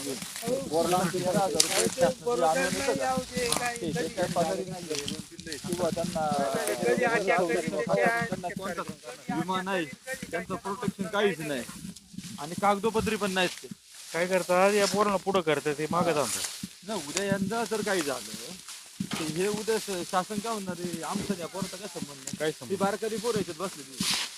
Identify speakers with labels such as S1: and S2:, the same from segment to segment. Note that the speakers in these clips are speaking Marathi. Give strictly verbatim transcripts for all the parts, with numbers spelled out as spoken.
S1: विमा नाही, त्यांचं प्रोटेक्शन काहीच नाही आणि कागदोपत्री पण नाहीत. ते
S2: काय करतात या पोरांना पुढं करतात ते मागे जातात.
S1: ना उद्या यंदा जर काही झालं तर हे उद्या शासन काय होणार आहे? आमचं त्या पोराचा काय संबंध नाही.
S2: काय
S1: ती बारकाली पोरं याच्यात बसली.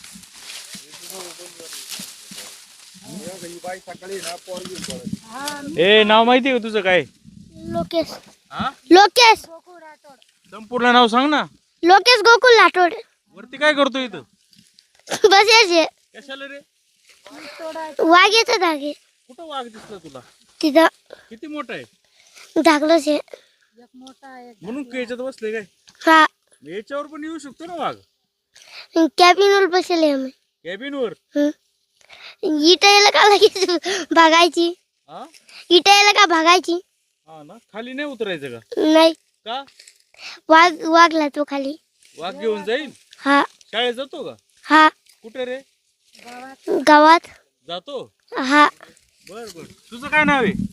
S2: ए नाव माहिती आहे का तुझं काय?
S3: लोकेश.
S1: हा
S3: लोकेश.
S2: संपूर्ण नाव सांग ना.
S3: लोकेश गोकुल राठोड.
S2: वरती काय करतो इथं?
S3: बस याचे
S2: कशाला रे?
S3: वाघेचं धागे
S2: कुठं वाघ दिसला तुला?
S3: तिथं
S2: किती मोठा आहे?
S3: धाकलंच आहे.
S2: म्हणून याच्यात बसले काय?
S3: हा
S2: याच्यावर पण येऊ शकतो ना वाघ?
S3: कॅबिनवर बसले आम्ही.
S2: कॅबिन वर?
S3: इटायला का लगेच भागायची?
S2: हा
S3: इटायला का भागायची?
S2: हा ना. खाली नाही उतरायचं का?
S3: नाही.
S2: का?
S3: वाघ वाघला तो खाली.
S2: वाघ घेऊन जाईल?
S3: हा
S2: शाळेत जातो का?
S3: हा
S2: कुठे रे?
S3: गावात.
S2: जातो.
S3: हा
S2: बर बर. तुझं काय नाव आहे?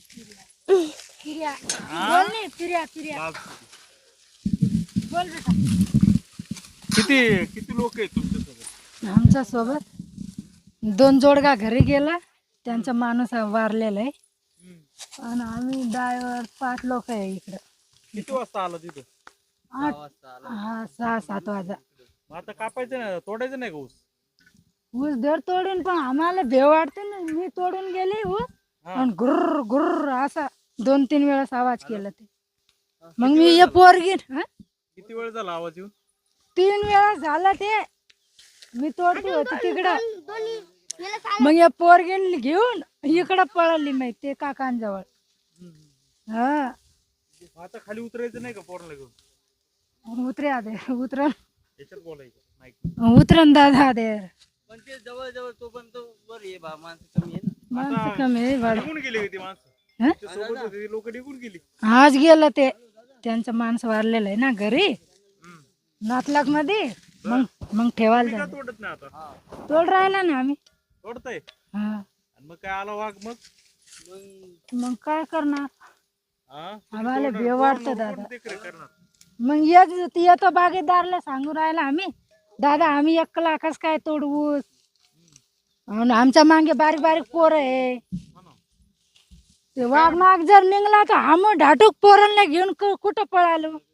S2: किती किती लोक आहेत तुमच्या सोबत?
S4: आमच्या सोबत दोन जोडगा घरी गेला, त्यांचा माणूस वारलेला आहे आणि आम्ही ड्रायव्हर पाच लोक आहे इकडं.
S2: किती वाजता आला तिथं?
S4: आठ हा सहा सात वाजा.
S2: मग आता कापायचं नाही, तोडायचं नाही का ऊस?
S4: ऊस दर तोडून पण आम्हाला भेव वाटते ना. मी तोडून गेले ऊस आणि गुर्र गुर्र असा दोन तीन वेळेस आवाज केला ते. मग मी हे पोरगी
S2: किती वेळ झाला आवाज येऊन?
S4: तीन वेळा झाला ते. मी तोडते होती तिकडं. मग या पोरगी घेऊन इकडं पळाली माहिती ते काकांजवळ. हा
S2: आता खाली उतरायचं नाही का पोराला घेऊन?
S4: उतरे आदे उतरण
S2: याच्यात बोलायचं नाही.
S4: उतरण दादा दे.
S5: पण ते जवळ जवळ तो पण तो वर आहे बा, माणसं कमी आहे ना.
S4: माणसं कमी आहे भाडं.
S2: निघून गेली ती माणसं?
S4: हं?
S2: सोबत होती ती लोक निघून गेली.
S4: आज गेलं ते. त्यांचं माणसं वारलेलं आहे ना घरी नातलाक मध्ये. मग मग ठेवायला
S2: का
S4: जाऊ.
S2: तोडत नाही आता?
S4: तोड राहिला ना आम्ही.
S2: तोडताय?
S4: हा
S2: आणि मग काय आला वाघ मग?
S4: मग काय करणार?
S2: हा?
S4: आम्हाला भेव वाटतं दादा.
S2: कोण देखरेख करणार?
S4: मग येत येतो बागेदारला सांगू राहिला आम्ही, दादा आम्ही एक लाखच काय तोडवू. आणि आमच्या मागे बारीक बारीक पोर आहे. ते वाघ माग जर निघला तर आम्ही ढाटूक पोरांना घेऊन क- कुठं पळालो.